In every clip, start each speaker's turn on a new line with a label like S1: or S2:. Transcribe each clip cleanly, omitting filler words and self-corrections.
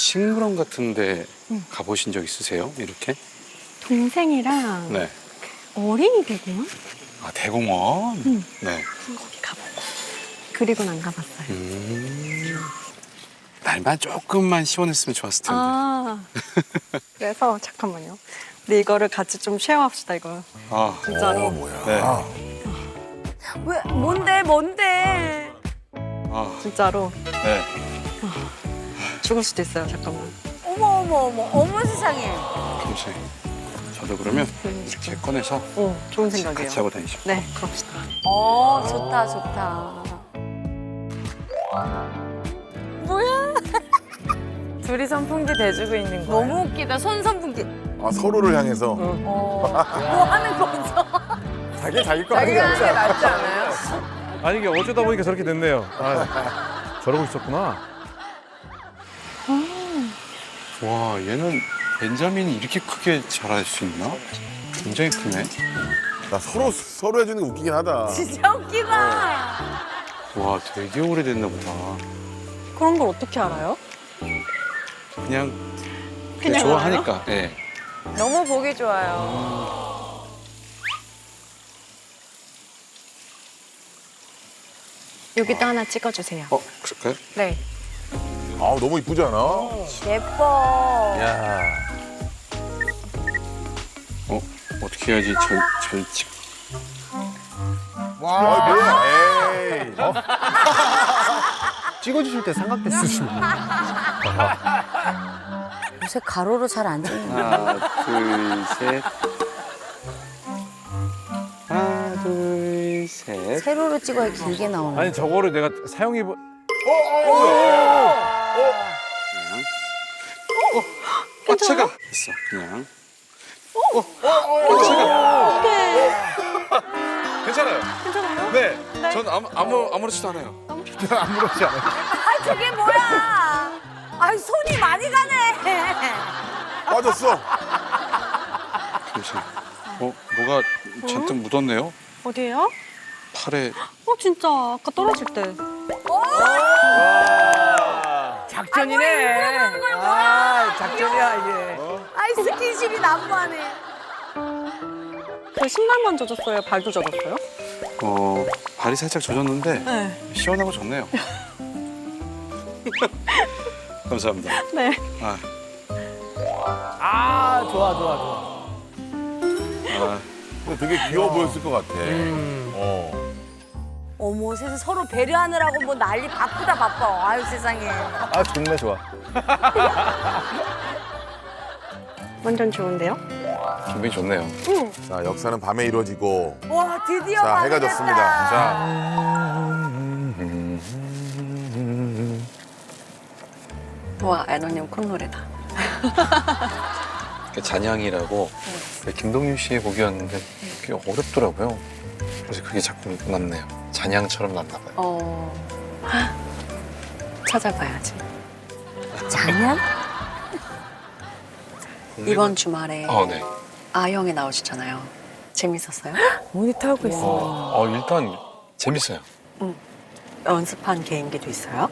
S1: 식물원 같은데 가보신 적 있으세요? 이렇게?
S2: 동생이랑
S1: 네.
S2: 어린이 대공원?
S1: 아, 대공원?
S2: 응.
S1: 네.
S2: 거기 가보고. 그리고는 안 가봤어요.
S1: 날만 조금만 시원했으면 좋았을 텐데.
S2: 아, 그래서 잠깐만요. 근데 이거를 같이 좀 쉐어합시다, 이거.
S1: 아,
S2: 진짜로.
S3: 뭐야.
S1: 네.
S4: 왜 뭔데?
S1: 아,
S2: 진짜로.
S1: 네.
S2: 죽을 수도 있어요, 잠깐만.
S4: 어머 세상에.
S1: 잠시. 저도 그러면 이렇게 꺼내서
S2: 좋은 생각이에요.
S1: 같이 하고 다니죠.
S2: 네, 그럽시다.
S4: 좋다. 뭐야?
S5: 둘이 선풍기 대주고 있는 거야.
S4: 너무 웃기다. 손선풍기.
S3: 아, 서로를 향해서.
S4: 뭐 하는 거죠?
S3: 자기 거
S5: 자기가
S3: 아니야.
S5: 하는 게 낫지 않아요?
S6: 아니 이게 어쩌다 보니까 저렇게 됐네요. 아, 저러고 있었구나.
S1: 와, 얘는 벤자민이 이렇게 크게 자랄 수 있나? 굉장히 크네.
S3: 나 서로 해주는 게 웃기긴 하다.
S4: 진짜 웃기다.
S1: 와, 되게 오래됐나 보다.
S2: 그런 걸 어떻게 알아요?
S1: 그냥
S2: 그냥
S1: 좋아하니까. 네.
S5: 너무 보기 좋아요.
S2: 여기도 하나 찍어주세요.
S1: 그럴까요?
S2: 네.
S3: 아, 너무 이쁘지 않아?
S4: 예뻐.
S3: 야.
S1: 어떻게 해야지 절직.
S3: 아, 뭐야. 에이.
S7: 찍어주실 때 삼각대쓰시네.
S4: 요새 가로로 잘 안 찍는.
S1: 하나, 둘, 셋. 하나, 둘, 셋.
S4: 세로로 찍어야 길게 나오는.
S6: 아니 저거를 내가 사용해보.
S1: 뻗쳐가 있어, 그냥. 괜찮아요.
S2: 괜찮아요?
S1: 네.
S2: 네.
S1: 전 아무렇지도 않아요.
S3: 아무렇지 않아.
S4: 아 저게 뭐야? 아 손이 많이 가네.
S3: 빠졌어.
S1: 잠시만. 뭐가 잔뜩 묻었네요?
S2: 어디에요?
S1: 팔에.
S2: 진짜 아까 떨어질 때.
S5: 작전이네. 아, 작전이야 이게.
S4: 아이 스킨십이 난무하네.
S2: 그 신발만 젖었어요? 발도 젖었어요?
S1: 발이 살짝 젖었는데
S2: 네.
S1: 시원하고 좋네요. 감사합니다.
S2: 네.
S5: 아, 좋아.
S3: 근데 되게 귀여워 보였을 것 같아.
S4: 어머 세상 서로 배려하느라고 뭐 난리 바빠. 아유 세상에.
S7: 아, 좋네, 좋아.
S2: 완전 좋은데요?
S1: 기분이 좋네요.
S3: 자, 역사는 밤에 이루어지고.
S4: 와 드디어
S3: 자,
S4: 밤이
S3: 해가
S4: 됐다.
S3: 졌습니다. 자,
S2: 와, 애너님 콧노래다.
S1: 잔향이라고 김동률 씨의 곡이었는데 그게 어렵더라고요. 그래서 그게 자꾸 남네요. 잔향처럼 났나 봐요.
S2: 찾아봐야지.
S4: 장난?
S2: 이번 주말에
S1: 네.
S2: 아영에 나오시잖아요. 재밌었어요?
S5: 모니터 하고 있어.
S1: 일단 재밌어요.
S2: 연습한 개인기도 있어요?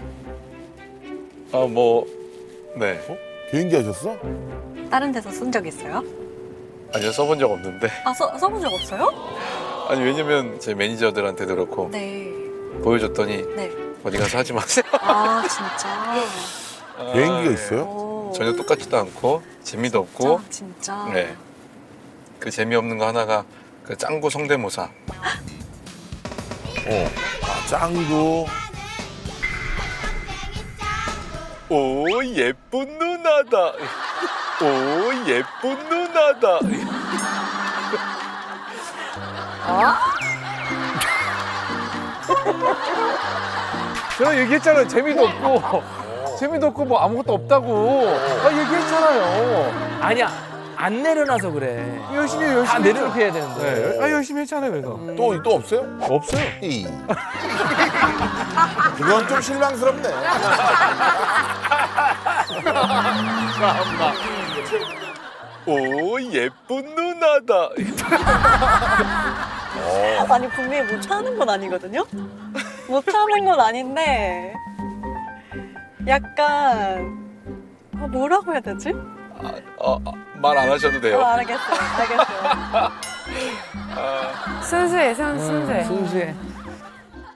S1: 네.
S3: 개인기 하셨어?
S2: 다른 데서 쓴 적 있어요?
S1: 아니요, 써본 적 없는데.
S2: 써본 적 없어요?
S1: 아니, 왜냐면 제 매니저들한테도 그렇고
S2: 네.
S1: 보여줬더니
S2: 네.
S1: 어디 가서 하지 마세요.
S2: 아, 진짜?
S3: 개인기가 있어요?
S2: 오.
S1: 전혀 똑같지도 않고 재미도 없고.
S2: 진짜?
S1: 네. 그 재미없는 거 하나가 그 짱구 성대모사.
S3: 아, 짱구.
S1: 오, 예쁜 누나다. 오, 예쁜 누나다.
S6: 제가 얘기했잖아요. 재미도 없고 뭐 아무것도 없다고. 얘기했잖아요.
S5: 아니야, 안 내려놔서 그래.
S6: 열심히
S5: 다 내려놓게
S6: 했죠.
S5: 해야 되는데.
S6: 네. 열심히 했잖아요. 그래서
S3: 또 없어요?
S6: 없어요.
S3: 이. 그건 좀 실망스럽네.
S1: 오, 예쁜 누나다.
S2: 아니, 분명히 못하는 건 아니거든요? 못하는 건 아닌데, 약간 뭐라고 해야 되지?
S1: 말 안 하셔도 돼요.
S2: 알겠어요.
S5: 순수해, 순수해.
S7: 순수해.